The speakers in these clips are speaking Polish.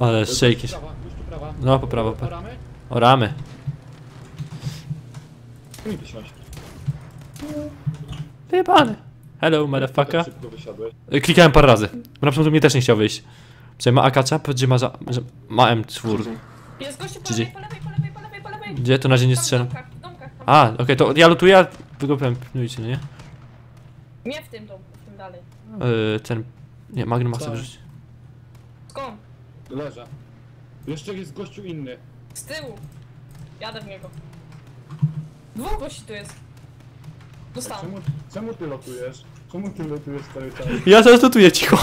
Ale szejki. Już tu prawa. No, po prawo. Ramy? O, ramy. Mi wysiąść. Wyjebany. Hello, motherfucker. Tak szybko wysiadłeś. Klikałem parę razy. Na początku mnie też nie chciał wyjść. Przecież ma akacza, gdzie ma, że ma M4. Jest gościu po Gdzie? lewej, po lewej, po lewej, po lewej, po lewej. Gdzie? To na razie nie Tam w strzelam. domkach, w domkach, tam. A, okej, to ja lutuję, a wy go pilnujcie, no nie? Nie w tym domku, w tym dalej. Ten... Nie, Magnum ma Tak. sobie wyrzucić. Skąd? Leżę. Jeszcze jest gościu inny. Z tyłu. Jadę w niego. Dwóch gości tu jest. Dostałem. Czemu ty lotujesz? Czemu ty lotujesz cały czas? Ja teraz lutuję, cicho.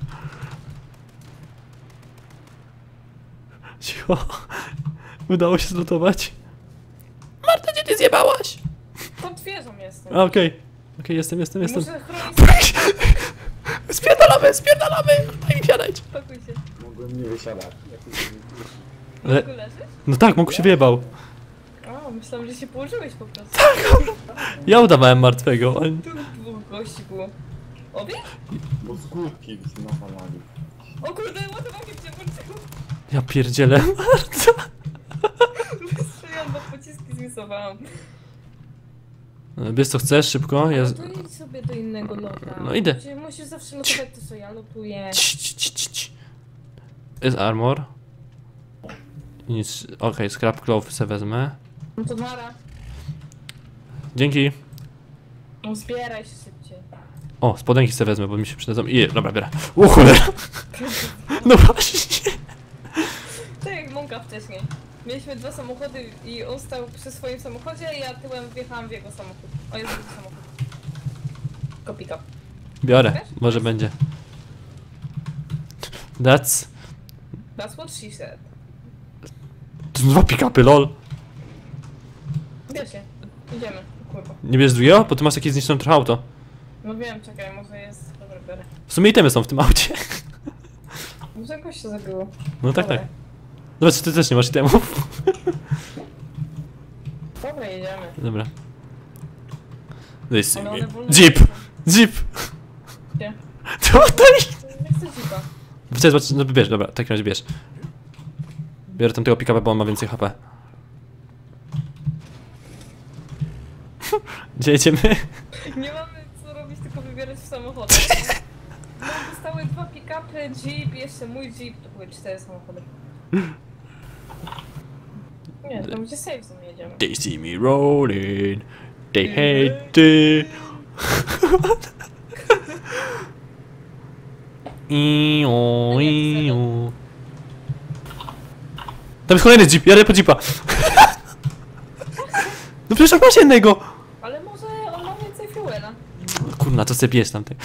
Cicho. Udało się zlutować. Marta, gdzie ty zjebałaś? Pod wieżą jestem. A, okej. Okej, jestem. Muszę chronić. Spierdalamy! Daj mi siadać. Spokój się. Mogłem nie wysiadać. Ale- Mogę leżysz? No tak, mógł się wyjebał. O, myślałam, że się położyłeś po prostu. Ja udawałem martwego. Tu dwóch gości było. Obie? Bo z górki nawalali. O kurde, ładowanie cię włączyło. Ja pierdzielę. Marta. Wystrzeliłam, bo pociski zmisowałam. Bierz co chcesz, szybko. Ja... To idź sobie do innego lota. No idę. Musisz zawsze lotować to, co ja lotuję. Cii. Jest armor. Nic. Okej, scrap cloth se wezmę. No to nara. Dzięki. No zbieraj się szybciej. O, spodenki se wezmę, bo mi się przydadzą. I dobra, biorę. O cholera. No właśnie. Tak jak Monka wcześniej. Mieliśmy dwa samochody i on stał przy swoim samochodzie, a ja tyłem wjechałam w jego samochód. O, jest drugi samochód. Kopika. Biorę, może będzie. That's... That's what she said. To są dwa pick-upy, lol. Bierz się. Idziemy. Kurwa. Nie bierzesz drugiego? Bo ty masz jakieś zniszczone trochę auto. No wiem, czekaj, może jest... Dobra, biorę. W sumie itemy są w tym aucie. Może jakoś się zabiło. No tak, Dobra. tak. Zobacz, ty też nie masz itemów. Dobra, jedziemy. Dobra. This Ale one wolno Jeep! jeżdżą. Jeep! Gdzie? Tutaj! Nie chcę jeepa. Chcę zobaczyć, no bierz, dobra, w takim razie bierz. Biorę tamtego pick-upa, bo on ma więcej HP. Gdzie jedziemy? Nie mamy co robić, tylko wybierać w samochodach. No, zostały dwa pick-upy, jeep, jeszcze mój jeep, to były 4 samochody. Nie, to będzie safe zone jedziemy. They see me rolling. They hate it. Tam jest kolejny jeep, jadę po jeepa. No przecież masz jednego. Ale może on ma więcej fuela. Kurna, to sobie bierz tamtej.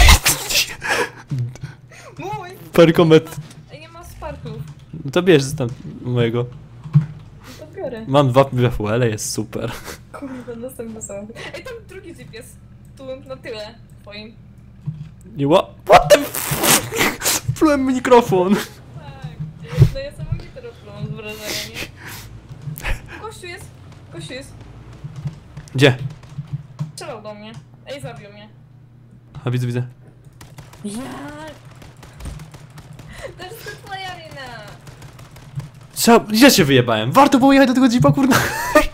Mój! Parkomet. Ej, nie ma sparków. No to bierz tam mojego. No to biorę. Mam dwa fuele, jest super. Kurde, następny samochód. Ej, tam drugi jeep jest. Tu na tyle twoim. Nie what the f... Plułem mikrofon. Tak. No ja samowite robiłam z wrażenia, nie? Kościół jest. Kościół jest. Gdzie? Strzelał do mnie. Ej, zabił mnie. A widzę. Jak? To jest twoja wina. Trzeba... Ja się wyjebałem. Warto było jechać do tego jeepa, kurna.